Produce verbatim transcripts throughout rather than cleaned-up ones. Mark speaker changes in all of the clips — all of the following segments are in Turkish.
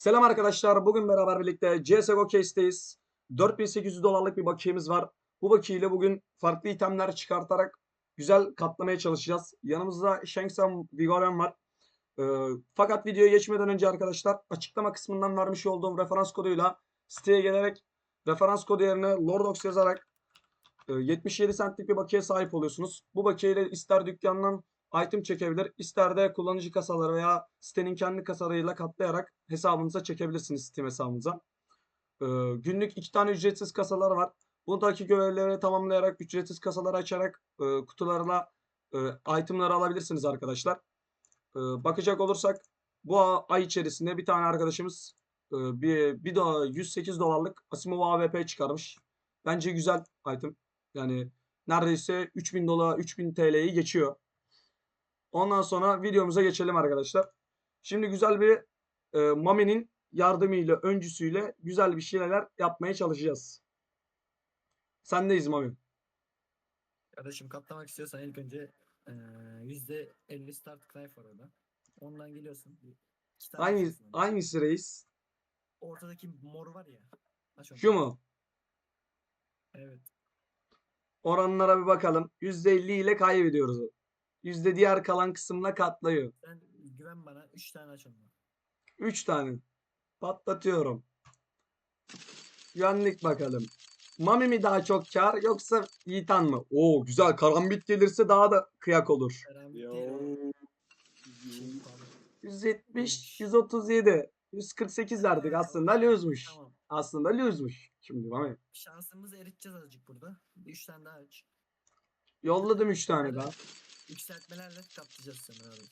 Speaker 1: Selam arkadaşlar. Bugün beraber birlikte C S G O Case'teyiz. dört bin sekiz yüz dolarlık bir bakiyemiz var. Bu bakiyeyle bugün farklı itemler çıkartarak güzel katlamaya çalışacağız. Yanımızda Shanksam Vigoren var. Ee, fakat videoya geçmeden önce arkadaşlar açıklama kısmından vermiş olduğum referans koduyla siteye gelerek referans kodu yerine Lordox yazarak e, yetmiş yedi centlik bir bakiye sahip oluyorsunuz. Bu bakiyeyle ister dükkandan item çekebilir, ister de kullanıcı kasaları veya sitenin kendi kasalarıyla katlayarak hesabınıza çekebilirsiniz Steam hesabınıza. Ee, günlük iki tane ücretsiz kasalar var. Buradaki görevleri tamamlayarak ücretsiz kasaları açarak e, kutularla e, itemları alabilirsiniz arkadaşlar. E, bakacak olursak bu ay içerisinde bir tane arkadaşımız e, bir, bir daha yüz sekiz dolarlık Asimov A W P çıkarmış. Bence güzel item. Yani neredeyse üç bin dolar, üç bin T L'yi geçiyor. Ondan sonra videomuza geçelim arkadaşlar. Şimdi güzel bir e, Mami'nin yardımıyla, öncüsüyle güzel bir şeyler yapmaya çalışacağız. Sendeyiz Mami.
Speaker 2: Kardeşim katlamak istiyorsan ilk önce eee, yüzde elli start knife var orada. Ondan geliyorsun. Bir, iki tane
Speaker 1: Hangi,
Speaker 2: açıyorsun ondan.
Speaker 1: hangisi reis?
Speaker 2: Ortadaki mor var ya. Aç onu.
Speaker 1: Şu mu?
Speaker 2: Evet.
Speaker 1: Oranlara bir bakalım. yüzde elli ile kaybediyoruz. Yüzde diğer kalan kısımla katlıyor.
Speaker 2: Sen güven bana. Üç tane aç ondan.
Speaker 1: üç tane. Patlatıyorum. Güvenlik bakalım. Mami mi daha çok kar yoksa Yiğitan mı? Oo güzel. Karambit gelirse daha da kıyak olur.
Speaker 2: Karambit
Speaker 3: Yo.
Speaker 2: değil o. Şey
Speaker 3: Yo.
Speaker 2: pardon.
Speaker 1: yüz yetmiş,
Speaker 2: Neymiş?
Speaker 1: yüz otuz yedi, yüz kırk sekiz derdik.
Speaker 2: Eee,
Speaker 1: Aslında
Speaker 2: okey.
Speaker 1: lose'muş.
Speaker 2: Tamam.
Speaker 1: Aslında lose'muş. Şimdi Mami.
Speaker 2: Şansımızı eriteceğiz azıcık burada. Bir üç tane daha aç.
Speaker 1: Yolladım üç tane daha.
Speaker 2: Yükseltmelerle katlayacağız seni abi.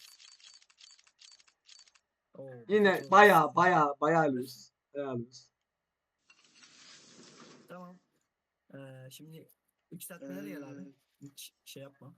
Speaker 2: Oo,
Speaker 1: Yine
Speaker 2: kötü oldu.
Speaker 1: baya baya baya lose. Baya lose.
Speaker 2: Tamam. Eee, şimdi yükseltmelere gel abi. Hiç şey yapma.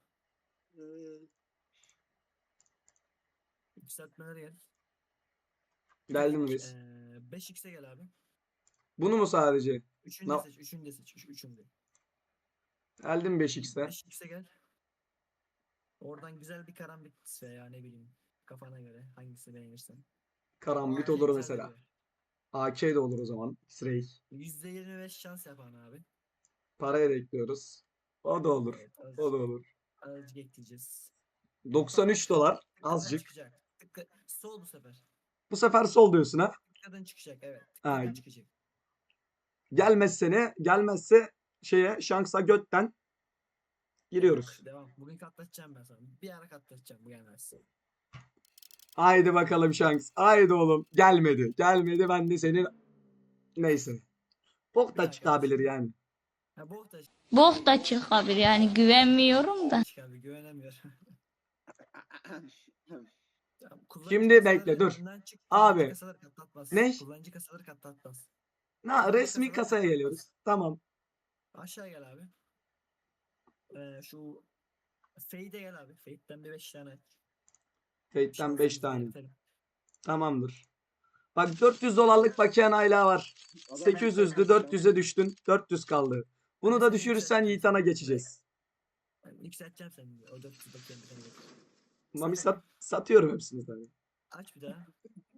Speaker 2: Yükseltmelere gel.
Speaker 1: Geldim
Speaker 2: Direkt
Speaker 1: reis.
Speaker 2: eee beş x'e gel abi.
Speaker 1: Bunu mu sadece?
Speaker 2: Üçünü de
Speaker 1: Na-
Speaker 2: seç. Üçünü de seç. Üç, üçünü de.
Speaker 1: Geldim beş x'te.
Speaker 2: beş x'e gel. Oradan güzel bir karambit veya ne bileyim kafana göre hangisi beğenirsen.
Speaker 1: Karambit
Speaker 2: A K
Speaker 1: olur
Speaker 2: güzel
Speaker 1: mesela.
Speaker 2: veriyor.
Speaker 1: A K de olur o zaman. X-Ray.
Speaker 2: yüzde yirmi beş şans yapan abi.
Speaker 1: Paraya da ekliyoruz. O da olur.
Speaker 2: Evet
Speaker 1: O da
Speaker 2: azıcık,
Speaker 1: olur.
Speaker 2: azıcık ekleyeceğiz.
Speaker 1: doksan üç dolar.
Speaker 2: Tıkladığın
Speaker 1: Azıcık.
Speaker 2: çıkacak. Tıkla, sol bu sefer.
Speaker 1: Bu sefer sol diyorsun ha.
Speaker 2: Tıkladığın çıkacak evet.
Speaker 1: Ha,
Speaker 2: Tıkladığın çıkacak.
Speaker 1: gelmezse ne? Gelmezse şeye şansa götten giriyoruz.
Speaker 2: Yok devam. Bugün katlatacağım ben sana. Bir ara katlatacağım bu gelmez.
Speaker 1: Haydi bakalım şans. Haydi oğlum. Gelmedi. Gelmedi. Ben de senin neyse. Bok
Speaker 2: Bir
Speaker 1: da
Speaker 2: daha
Speaker 1: çıkabilir
Speaker 2: kardeşim.
Speaker 1: yani.
Speaker 2: Ha bok da
Speaker 4: Bok da çıkabilir yani güvenmiyorum da.
Speaker 2: çıkar güvenemiyor. Tamam, kullanıcı
Speaker 1: Şimdi
Speaker 2: kasaları
Speaker 1: bekle dur.
Speaker 2: önden çık. Kullanıcı
Speaker 1: Abi.
Speaker 2: kasaları katlatmaz.
Speaker 1: Ne?
Speaker 2: Kullanıcı kasaları katlatmaz.
Speaker 1: Na,
Speaker 2: Kullanıcı
Speaker 1: resmi
Speaker 2: kasaları
Speaker 1: kasaya
Speaker 2: katlatmaz.
Speaker 1: geliyoruz. Tamam.
Speaker 2: Aşağı gel abi. Ee, şu Fade'e gel abi. Fade'den bir beş tane aç.
Speaker 1: Fate'den beş
Speaker 2: Şansımızı
Speaker 1: tane.
Speaker 2: eritelim.
Speaker 1: Tamamdır. Bak dört yüz dolarlık bakiyen hala var.
Speaker 3: Adam
Speaker 1: sekiz yüzdü
Speaker 3: enteresan.
Speaker 1: dört yüze düştün. dört yüz kaldı. Bunu
Speaker 2: Ben
Speaker 1: da
Speaker 2: seni
Speaker 1: düşürürsen
Speaker 2: yükselteceğim
Speaker 1: Yiğitan'a
Speaker 2: seni.
Speaker 1: geçeceğiz.
Speaker 2: Ben yükselteceğim seni. O dört yüz bakıyan bir tane getir.
Speaker 1: Mami
Speaker 2: Sat
Speaker 1: sat,
Speaker 2: abi.
Speaker 1: satıyorum hepsini tabii.
Speaker 2: Aç bir daha.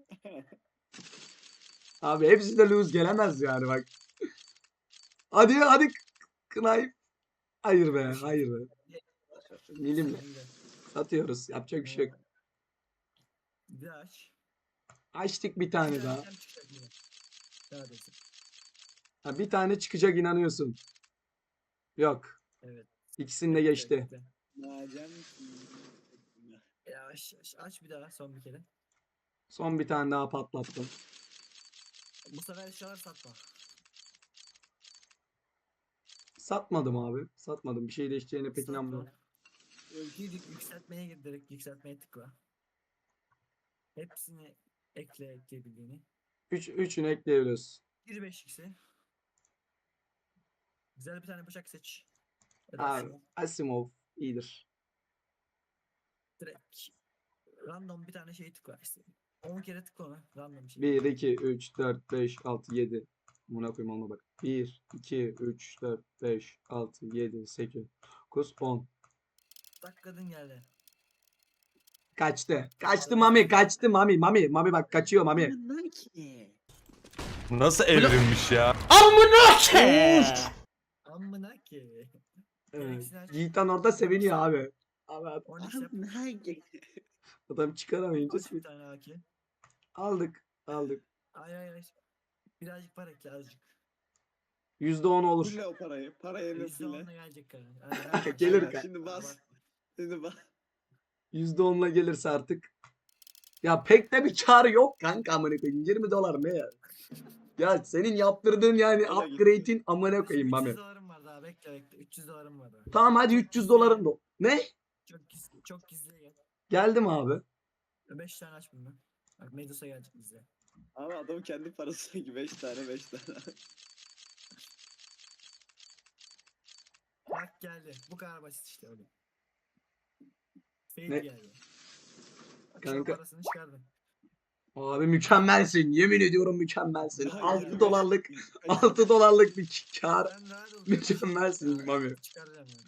Speaker 1: Abi hepsi de lose gelemez yani bak. Hadi hadi Knife. Hayır be hayır be. Milimle.
Speaker 2: Sen de.
Speaker 1: Satıyoruz. Yapacak bir şey yok.
Speaker 2: Bir daha aç.
Speaker 1: Açtık bir
Speaker 2: Bir
Speaker 1: tane
Speaker 2: daha
Speaker 1: daha.
Speaker 2: açacağım, çıkacak yine. Daha desin.
Speaker 1: Ha, bir tane çıkacak inanıyorsun. Yok.
Speaker 2: Evet.
Speaker 1: İkisini de
Speaker 2: Bekle,
Speaker 1: geçti.
Speaker 2: bekle.
Speaker 3: Nacan.
Speaker 2: Ya aç, aç, aç bir daha son bir kere.
Speaker 1: Son bir tane daha patlattım.
Speaker 2: Bu sefer eşyalar satma.
Speaker 1: Satmadım abi. Satmadım. Bir şey değişeceğine pek inanmıyorum.
Speaker 2: Satma. Gir yükseltmeye gir direkt yükseltmeye tıkla. Hepsini ekle ekleyebildiğini.
Speaker 1: Üç, üçünü ekleyebiliyoruz.
Speaker 2: Bir beş x'e. Güzel bir tane bıçak seç. Ya da
Speaker 1: Abi
Speaker 2: Asimov.
Speaker 1: Asimov iyidir.
Speaker 2: Direkt random bir tane şey tıkla. İşte on kere tıkla ona. Random şey.
Speaker 1: bir, iki, üç, dört, beş, altı, yedi. Buna koyayım ona bak. bir, iki, üç, dört, beş, altı, yedi, sekiz, dokuz, on.
Speaker 2: Tıkladın geldi.
Speaker 1: Kaçtı. Kaçtı Mami. Kaçtı Mami. Mami. Mami bak kaçıyor Mami.
Speaker 3: Bunlar ki.
Speaker 5: Nasıl evrilmiş ya?
Speaker 2: Amına ki.
Speaker 1: Evet.
Speaker 2: Gereksiz aç.
Speaker 1: Yiğitan orada seviniyor abi. Abi
Speaker 2: on x yap.
Speaker 3: Bunlar ki.
Speaker 1: adam çıkaramayınca
Speaker 2: Aç bir
Speaker 1: sevin-
Speaker 2: tane A K.
Speaker 1: aldık. Aldık.
Speaker 2: Ay ay ay. Birazcık para ekle azıcık.
Speaker 1: yüzde on olur.
Speaker 3: Fulle o parayı. Parayı
Speaker 2: yüzde
Speaker 3: nasıl
Speaker 2: onla
Speaker 3: le?
Speaker 2: gelecek kadar.
Speaker 1: Gelir
Speaker 3: Aynen,
Speaker 1: ka-
Speaker 3: Şimdi bas. Şimdi bas.
Speaker 1: yüzde onla gelirse artık. Ya pek de bir kar yok kanka amına koyayım. yirmi dolar ne ya? Ya senin yaptırdığın yani
Speaker 3: O da gitti.
Speaker 1: upgrade'in amına koyayım
Speaker 2: üç
Speaker 1: Mami.
Speaker 2: yüz dolarım var daha bekle bekle. üç yüz dolarım var daha.
Speaker 1: Tamam hadi üç yüz doların da. Ne?
Speaker 2: Çok gizli, çok gizli gel.
Speaker 1: Geldim abi.
Speaker 2: beş tane aç bunu. Bak Medusa gelecek bize.
Speaker 3: Ama adam kendi parası gibi beş tane beş tane.
Speaker 2: Bak geldi. Bu kadar basit işte oğlum. Fail
Speaker 1: Ne?
Speaker 2: geldi. Bak,
Speaker 1: Kanka.
Speaker 2: Kanka. Parasını çıkardım.
Speaker 1: Abi mükemmelsin. Yemin ediyorum mükemmelsin.
Speaker 3: Daha
Speaker 1: altı
Speaker 3: yirmi beş
Speaker 1: dolarlık
Speaker 3: beş-
Speaker 1: altı dolarlık bir kar.
Speaker 2: Ben rahat ol.
Speaker 1: Mükemmelsin
Speaker 2: Ya,
Speaker 1: Mami.
Speaker 2: Çıkaracağım yani.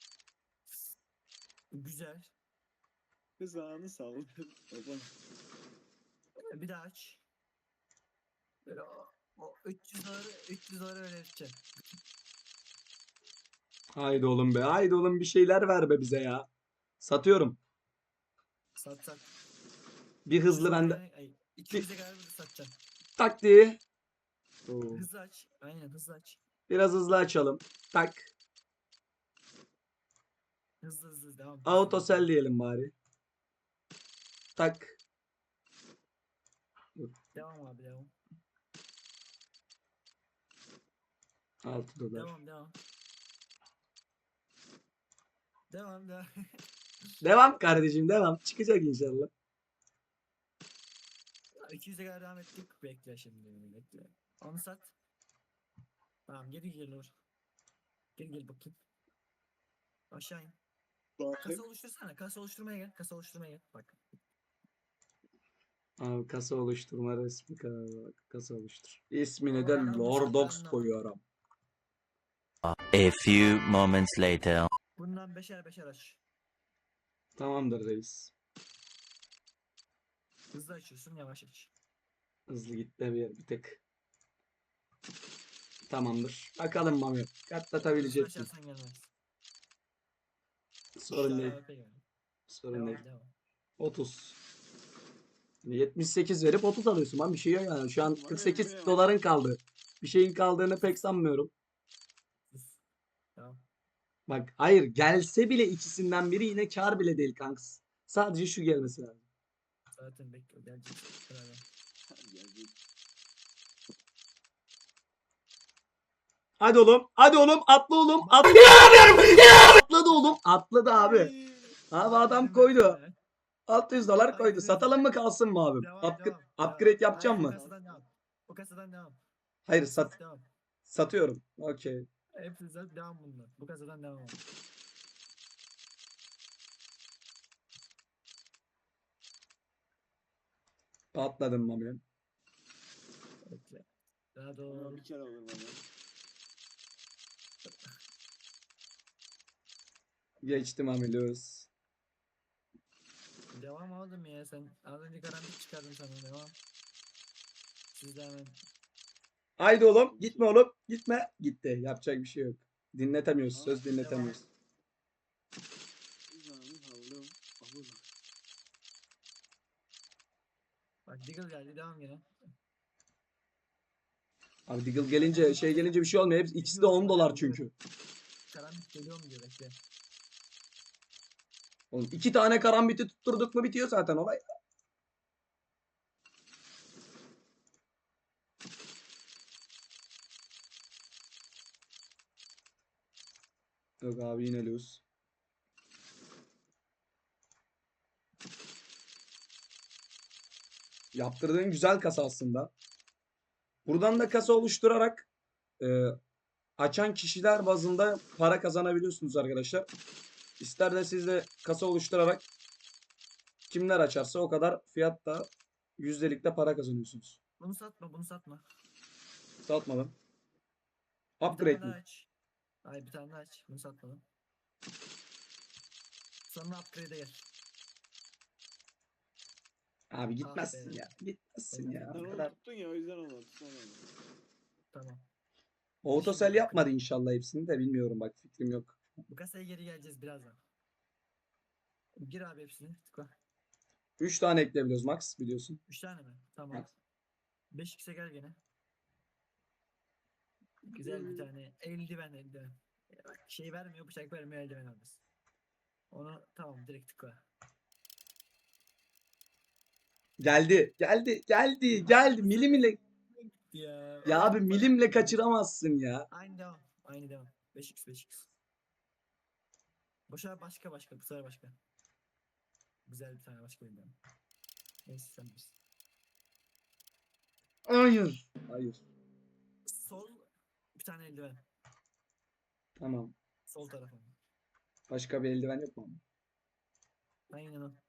Speaker 2: Güzel.
Speaker 3: Kızağını sal. Baba.
Speaker 2: Bir daha aç. Böyle o, o üç yüz doları üç yüz doları öğreteceğim.
Speaker 1: Haydi oğlum be. Haydi oğlum bir şeyler ver be bize ya. Satıyorum.
Speaker 2: Sat sat.
Speaker 1: Bir hızlı bende.
Speaker 2: Ay, iki yüze kadar bunu satacağım.
Speaker 1: Tak diye. Oo.
Speaker 2: Hızlı aç. Aynen hızlı aç.
Speaker 1: Biraz hızlı açalım. Tak.
Speaker 2: Hızlı hızlı devam.
Speaker 1: Autosell diyelim bari. Tak.
Speaker 2: Devam abi devam.
Speaker 1: altı dolar.
Speaker 2: Devam devam. Devam devam.
Speaker 1: Devam kardeşim devam. Çıkacak inşallah.
Speaker 2: iki yüze kadar devam ettik. Bekle şimdi bekle. Onu sat. Tamam geri gel olur. Geri gel bakayım. Aşağı in. Kasa
Speaker 3: Bakayım.
Speaker 2: oluştursana. Kasa oluşturmaya gel. Kasa oluşturmaya gel. Bak.
Speaker 1: Abi kasa oluşturma resmi ka- kasa oluştur. İsmini de
Speaker 2: Tamam,
Speaker 1: Lordox
Speaker 2: tamam.
Speaker 1: koyuyorum.
Speaker 6: A few moments later.
Speaker 2: Bundan beşer beşer aç.
Speaker 1: Tamamdır reis.
Speaker 2: Hızlı açıyorsun yavaş aç.
Speaker 1: Hızlı gitti bir, bir tek. Tamamdır. Bakalım Mami.
Speaker 2: Hızlı
Speaker 1: Katlatabilecek misin?
Speaker 2: açarsan gelmez.
Speaker 1: Sorun
Speaker 2: Üç
Speaker 1: değil.
Speaker 2: tane A W P geldi.
Speaker 1: Sorun değil.
Speaker 2: Devam devam.
Speaker 1: otuz. yetmiş sekiz verip otuz alıyorsun lan bir şey yok yani. Şu an
Speaker 3: Var ya,
Speaker 1: kırk sekiz
Speaker 3: buraya bak.
Speaker 1: doların kaldı. Bir şeyin kaldığını pek sanmıyorum.
Speaker 2: Sus. Devam.
Speaker 1: Bak hayır gelse bile ikisinden biri yine kar bile değil kanks. Sadece şu gelmesi lazım.
Speaker 2: Zaten bekliyor. Gelecek. Beraber.
Speaker 1: Hadi oğlum. Hadi oğlum. Atla oğlum. Atla. Atladı oğlum. Atladı abi. Abi adam
Speaker 2: Dedim
Speaker 1: koydu.
Speaker 2: ben sana.
Speaker 1: altı yüz dolar koydu.
Speaker 2: Aynen.
Speaker 1: Satalım mı kalsın mı abi?
Speaker 2: Devam,
Speaker 1: Upgra-
Speaker 2: devam,
Speaker 1: upgrade
Speaker 2: devam.
Speaker 1: yapacağım
Speaker 2: Hayır,
Speaker 1: mı?
Speaker 2: Bu kasadan devam. Bu kasadan devam.
Speaker 1: Hayır sat
Speaker 2: Devam.
Speaker 1: satıyorum. Okey.
Speaker 2: Hepsi zaten devam bundan. Bu kasadan devam. abi.
Speaker 1: Patladım Mami.
Speaker 2: Bekle. Daha
Speaker 3: Ulan
Speaker 2: doğru.
Speaker 3: bir kere olur bana.
Speaker 1: Geçtim Mami löz.
Speaker 2: Devam oğlum ya sen. Az önce karanlık çıkardın sana devam. Siz de hemen.
Speaker 1: Haydi oğlum. Gitme oğlum. Gitme. Gitti. Yapacak bir şey yok. Dinletemiyoruz.
Speaker 3: Aa,
Speaker 1: Söz dinletemiyoruz.
Speaker 3: Kızağını saldım. Abur.
Speaker 2: Bak Diggle geldi devam gene.
Speaker 1: Abi Diggle gelince şey gelince bir şey olmuyor. Hepsi, ikisi de on dolar çünkü.
Speaker 2: Karanlık geliyor mu diyor bekle.
Speaker 1: Oğlum iki tane karambiti tutturduk mu bitiyor zaten olay. Yok abi yine lose. Yaptırdığın güzel kasa aslında. Buradan da kasa oluşturarak e, açan kişiler bazında para kazanabiliyorsunuz arkadaşlar. İster de siz de kasa oluşturarak kimler açarsa o kadar fiyatta yüzdelikte para kazanıyorsunuz.
Speaker 2: Bunu satma bunu satma.
Speaker 1: Satmadım.
Speaker 2: Bir
Speaker 1: Upgrade
Speaker 2: tane daha
Speaker 1: mi?
Speaker 2: aç. Hayır bir tane daha aç. Bunu satmadım. Sonra upgrade'e gel.
Speaker 1: Abi gitmezsin
Speaker 2: be.
Speaker 1: ya. Gitmezsin ya.
Speaker 3: Sen
Speaker 1: O
Speaker 3: onu
Speaker 1: kadar.
Speaker 3: tuttun ya o yüzden olmadı. Tutamadım.
Speaker 2: Tamam.
Speaker 1: Autosel
Speaker 2: Şimdi
Speaker 1: yapmadı inşallah hepsini de bilmiyorum bak fikrim yok.
Speaker 2: Bu kasaya geri geleceğiz birazdan. Gir abi hepsini. Tıkla.
Speaker 1: üç tane ekleyebiliyoruz max biliyorsun.
Speaker 2: üç tane mi? Tamam.
Speaker 1: Evet.
Speaker 2: beş x'e gel gene. Güzel bir tane eldiven eldiven. Ya bak, şey vermiyor, bıçak vermiyor, eldiven alırız. Onu tamam direkt tıkla.
Speaker 1: Geldi. Geldi. Geldi. Geldi. Milimle.
Speaker 2: Ya,
Speaker 1: Ya abi milimle kaçıramazsın ya.
Speaker 2: Aynı devam. Aynı devam. beş x beş x. Boşa başka başka bu sefer başka. Güzel bir tane başka eldiven. Neyse sen bilirsin.
Speaker 1: Hayır. Hayır.
Speaker 2: Sol bir tane eldiven.
Speaker 1: Tamam.
Speaker 2: Sol tarafa.
Speaker 1: Başka bir eldiven yok mu?
Speaker 2: Aynen o.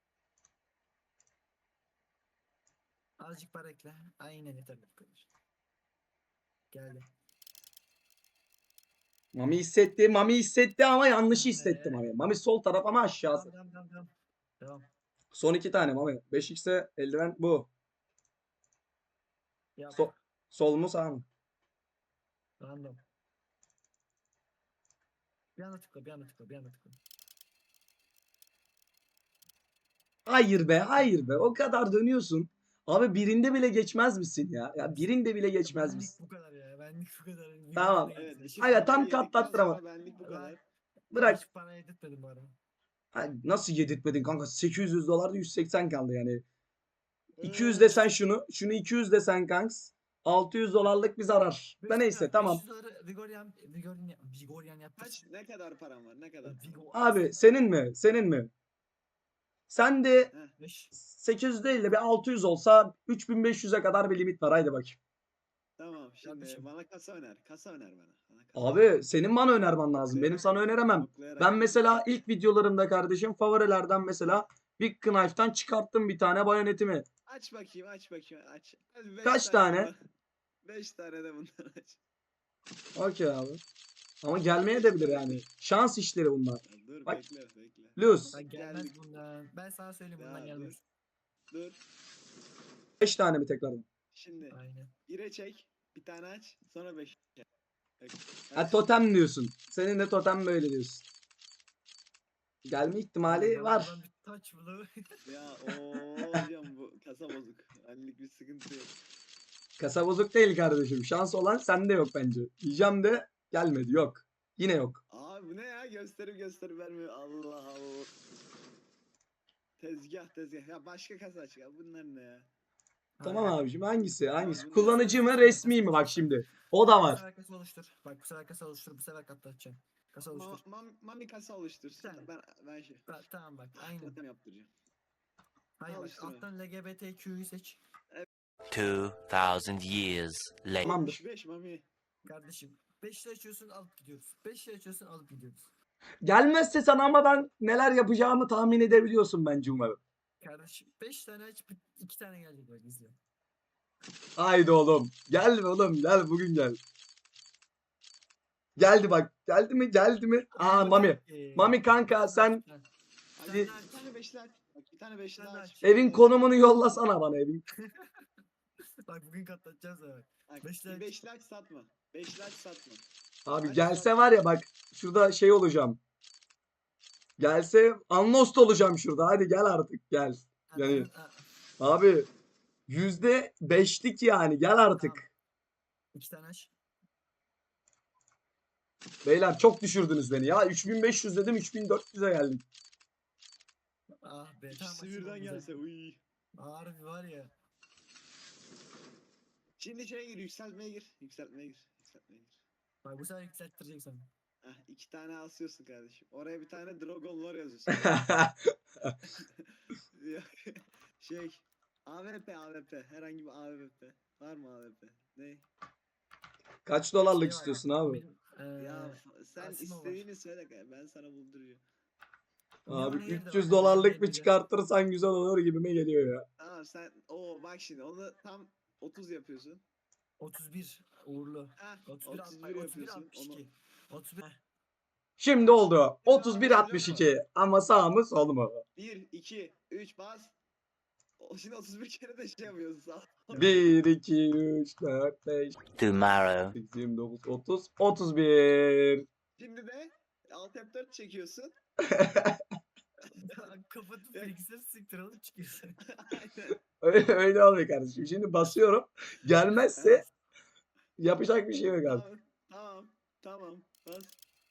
Speaker 2: Azıcık para ekle. Aynen yeterli bu kadar. Geldi.
Speaker 1: Mami hissetti. Mami hissetti ama yanlışı hissetti
Speaker 2: Ee?
Speaker 1: Mami. Mami sol taraf ama aşağısı.
Speaker 2: Devam devam devam. Devam.
Speaker 1: Son iki tane Mami. beş x'e eldiven bu.
Speaker 2: Yap.
Speaker 1: So sol mu sağ mı?
Speaker 2: Random. Bir anda tıkla, bir anda tıkla, bir anda tıkla.
Speaker 1: Hayır be, hayır be. O kadar dönüyorsun. Abi birinde bile geçmez misin ya? Ya birinde bile geçmez
Speaker 2: Benlik
Speaker 1: misin?
Speaker 2: bu kadar ya. Benlik bu kadar. Bir
Speaker 1: Tamam.
Speaker 2: tane
Speaker 3: Evet.
Speaker 2: geçti.
Speaker 3: iki
Speaker 1: Aga,
Speaker 3: parayı
Speaker 1: tam
Speaker 3: yedikten
Speaker 1: katlattırama.
Speaker 3: sonra benlik bu kadar.
Speaker 1: Bırak.
Speaker 2: Hiç para yedirtmedim bu arada.
Speaker 1: Ha, nasıl yedirtmedin kanka? sekiz yüz dolarda yüz seksen kaldı yani. iki yüz
Speaker 3: Ee,
Speaker 1: desen şunu. Şunu iki yüz desen kanks. altı yüz dolarlık bir zarar. Da neyse tamam.
Speaker 2: beş yüz doları Vigorian, Vigorian, Vigorian yaptı.
Speaker 3: Kaç ne kadar param var? Ne kadar?
Speaker 2: Vigor-
Speaker 1: Abi senin mi? Senin mi? Sen de
Speaker 2: beş.
Speaker 1: sekiz yüz değil de bir altı yüz olsa üç bin beş yüze kadar bir limit var. Haydi bakayım.
Speaker 3: Tamam şimdi
Speaker 2: Kardeşim.
Speaker 3: bana kasa öner. Kasa öner bana. bana kasa
Speaker 1: Abi senin bana önermen lazım. Benim
Speaker 3: Yoklayarak-
Speaker 1: sana öneremem.
Speaker 3: yoklayarak
Speaker 1: Ben
Speaker 3: öner.
Speaker 1: mesela ilk videolarımda kardeşim favorilerden mesela Big Knife'tan çıkarttım bir tane bayonetimi.
Speaker 3: Aç bakayım aç bakayım aç. Hadi beş
Speaker 1: Kaç tane?
Speaker 3: beş tane de bundan aç.
Speaker 1: Okey abi. Ama gelmeye de bilir yani. Şans işleri bunlar.
Speaker 3: Ya dur
Speaker 1: Bak.
Speaker 3: bekle bekle.
Speaker 1: Lose.
Speaker 2: Ben gelmez
Speaker 3: Geldik.
Speaker 2: bundan. Ben sana söyleyeyim bundan
Speaker 3: Ya
Speaker 2: gelmez.
Speaker 3: Dur.
Speaker 1: beş tane mi tekrardan?
Speaker 3: Şimdi
Speaker 2: Aynen.
Speaker 3: bire çek. Bir tane aç. Sonra beş. Bak,
Speaker 1: Ha
Speaker 3: aç.
Speaker 1: totem diyorsun. Senin de totem böyle diyorsun. Gelme ihtimali
Speaker 2: Ben
Speaker 1: var.
Speaker 2: buradan bir taç bulu.
Speaker 3: Ya ooo hocam bu kasa bozuk. Annelik bir sıkıntı yok.
Speaker 1: Kasa bozuk değil kardeşim. Şans olan sende yok bence. Diyeceğim de gelmedi. Yok. Yine yok.
Speaker 3: Abi bu ne ya gösterip gösterip vermiyor. Allah Allah. Tezgah tezgah. Ya başka kasa aç ya. Bunlar ne ya?
Speaker 1: Tamam
Speaker 2: Aynen.
Speaker 1: abicim hangisi? Hangisi?
Speaker 3: bunlar-
Speaker 1: Kullanıcı mı resmi mi? Bak şimdi. O da
Speaker 2: Bu
Speaker 1: var.
Speaker 2: sefer kasa oluştur. Bak bu sefer kasa oluştur. Bu sefer katlatacağım. Kasa
Speaker 3: Ma
Speaker 2: oluştur.
Speaker 3: mam mami kasa oluştur.
Speaker 2: Tamam.
Speaker 3: Ben ben şey.
Speaker 2: Ta- tamam bak aynen.
Speaker 3: Totem yaptıracağım.
Speaker 2: Hayır bak
Speaker 3: Oluştur onu.
Speaker 2: alttan L G B T Q'yu seç.
Speaker 6: Two thousand years later.
Speaker 1: Tamamdır.
Speaker 3: yetmiş beş mami.
Speaker 2: Kardeşim beşli açıyorsun alıp gidiyoruz. beşli açıyorsun alıp gidiyoruz.
Speaker 1: Gelmezse sana ama ben neler yapacağımı tahmin edebiliyorsun bence umarım.
Speaker 2: Kardeşim beş tane aç iki tane gelecek bak izle.
Speaker 1: Haydi oğlum. Gel oğlum gel bugün gel. Geldi bak. Geldi mi? Geldi mi? Aa Mami.
Speaker 2: Ee,
Speaker 1: Mami kanka sen
Speaker 3: Hadi
Speaker 1: Bir-
Speaker 3: bir tane beşli aç. Bak bir tane beşli
Speaker 2: tane
Speaker 3: aç.
Speaker 2: aç.
Speaker 1: evin konumunu yollasana bana evin.
Speaker 2: Bak bugün katlatacağız evet.
Speaker 3: Bak,
Speaker 2: beşli
Speaker 3: bir
Speaker 2: aç.
Speaker 3: beşli aç satma. Beşli aç satma.
Speaker 1: Abi
Speaker 3: Aç
Speaker 1: gelse
Speaker 3: satma.
Speaker 1: var ya bak şurada şey olacağım. Gelse Anlost olacağım şurada. Hadi gel artık gel. Yani abi yüzde beşlik yani gel artık.
Speaker 2: İki tane aç.
Speaker 1: Beyler çok düşürdünüz beni ya. üç bin beş yüz dedim üç bin dört yüze geldik.
Speaker 2: Ah be tam
Speaker 3: İkisi birden gelse. Uy.
Speaker 2: Harbi var ya.
Speaker 3: Şimdi şeye gir yükseltmeye gir. Yükseltmeye gir. Yükseltmeye gir.
Speaker 2: Bak bu sefer yükselttirecek sana.
Speaker 3: Heh, iki tane asıyorsun kardeşim. Oraya bir tane Dragon Lore yazıyorsun. Yok. şey A W P A W P herhangi bir A W P var mı A W P? Ne?
Speaker 1: Kaç dolarlık
Speaker 2: Şey var,
Speaker 1: istiyorsun abi?
Speaker 2: benim, eee,
Speaker 3: Ya f- sen
Speaker 2: Asimo var.
Speaker 3: istediğini söyle kanka, ben sana bulduracağım.
Speaker 1: Abi
Speaker 2: Neon Air de
Speaker 1: üç yüz
Speaker 2: var,
Speaker 1: dolarlık
Speaker 2: Neon
Speaker 1: bir
Speaker 2: Air'de.
Speaker 1: çıkartırsan güzel olur gibime geliyor ya.
Speaker 3: Tamam sen o bak şimdi onu tam otuz yapıyorsun.
Speaker 2: otuz bir uğurlu.
Speaker 3: Heh,
Speaker 2: otuz bir,
Speaker 3: otuz bir
Speaker 2: otuz bir
Speaker 3: yapıyorsun.
Speaker 2: altmış
Speaker 3: Onu
Speaker 2: iki. otuz bir.
Speaker 1: Şimdi oldu. otuz bir altmış iki ama sağ mı sol mu?
Speaker 3: bir iki üç bas. O şimdi otuz bir kere de şey yapıyorsun sağ ol.
Speaker 1: bir, iki, üç, dört, beş,
Speaker 6: Tomorrow.
Speaker 1: sekiz, yirmi dokuz, otuz, otuz bir.
Speaker 3: Şimdi de alt F dört çekiyorsun.
Speaker 2: Kapatıp bilgisayarı siktir alıp çıkıyorsun.
Speaker 3: Aynen.
Speaker 1: Öyle, öyle olmuyor kardeşim. Şimdi basıyorum. Gelmezse yapacak bir şey yok abi.
Speaker 3: Tamam. Tamam. Tamam. Bas.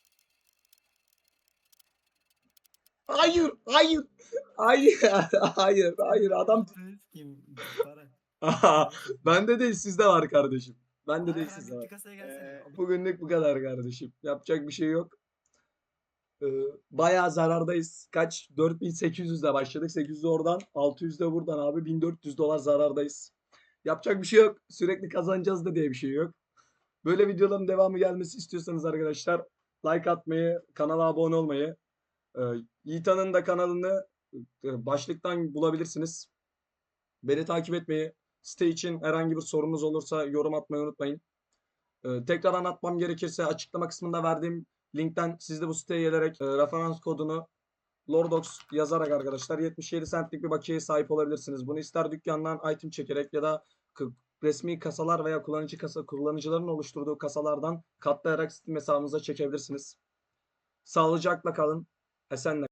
Speaker 1: Hayır, hayır. Hayır, hayır, hayır. Adam
Speaker 2: Kim? Para.
Speaker 1: Aha, bende değil sizde var kardeşim. Bende değil
Speaker 2: Ayhan
Speaker 1: sizde
Speaker 2: bitti
Speaker 1: var.
Speaker 2: kasaya gelsene.
Speaker 3: Ee,
Speaker 1: Bugünlük bu kadar kardeşim. Yapacak bir şey yok. Ee, bayağı zarardayız. Kaç? dört bin sekiz yüzle başladık. sekiz yüz oradan, altı yüz de buradan abi. bin dört yüz dolar zarardayız. Yapacak bir şey yok. Sürekli kazanacağız da diye bir şey yok. Böyle videoların devamı gelmesi istiyorsanız arkadaşlar like atmayı, kanala abone olmayı, e, Yiğitan'ın da kanalını e, başlıktan bulabilirsiniz. Beni takip etmeyi, site için herhangi bir sorunuz olursa yorum atmayı unutmayın. Ee, tekrar anlatmam gerekirse açıklama kısmında verdiğim linkten siz de bu siteye gelerek e, referans kodunu Lordox yazarak arkadaşlar yetmiş yedi centlik bir bakiyeye sahip olabilirsiniz. Bunu ister dükkandan item çekerek ya da k- resmi kasalar veya kullanıcı kasa kullanıcıların oluşturduğu kasalardan katlayarak Steam hesabınıza çekebilirsiniz. Sağlıcakla kalın. Esenle.